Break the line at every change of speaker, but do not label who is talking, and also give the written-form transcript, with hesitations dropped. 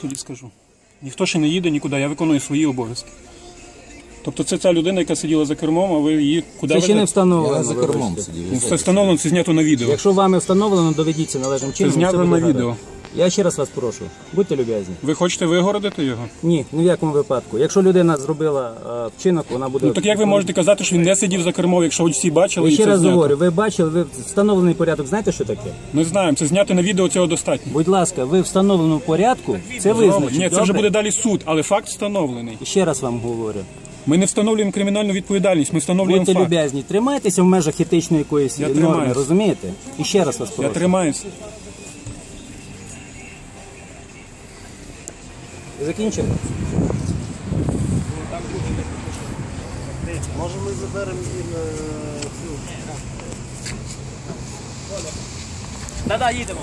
тоді скажу. Ніхто ще не їде нікуди, я виконую свої обов'язки. Тобто це ця людина, яка сиділа за кермом, а ви її куди
Це ще не
ведете?
встановлено.
Я за кермом сидів.
Ну, це встановлено, це знято на відео.
Якщо вами встановлено, доведіться належним чином.
знято
все буде
на
гаразд.
відео.
Я ще раз вас прошу, будьте люб'язні.
Ви хочете вигородити його?
Ні, ні в якому випадку. Якщо людина зробила вчинок, вона буде...
Ну так як ви можете казати, що він не сидів за кермом, якщо всі бачили
Я
і
ще
це
раз
знято?
говорю, ви бачили, ви встановлений порядок, знаєте, що таке?
Ми знаємо, це зняти на відео, цього достатньо.
Будь ласка, ви в встановленому порядку, це визначить.
Ні, це вже
добре?
буде далі суд, але факт встановлений.
І ще раз вам говорю.
Ми не встановлюємо кримінальну відповідальність, ми встановлюємо
Будьте
факт.
люб'язні, тримайтеся в межах етичної якоїсь
Я
норми,
тримаюсь.
розумієте? І ще раз вас
Я
прошу.
тримаюся.
Ви закінчили?
Може ми заберемо і цю.
Да-да, їдемо.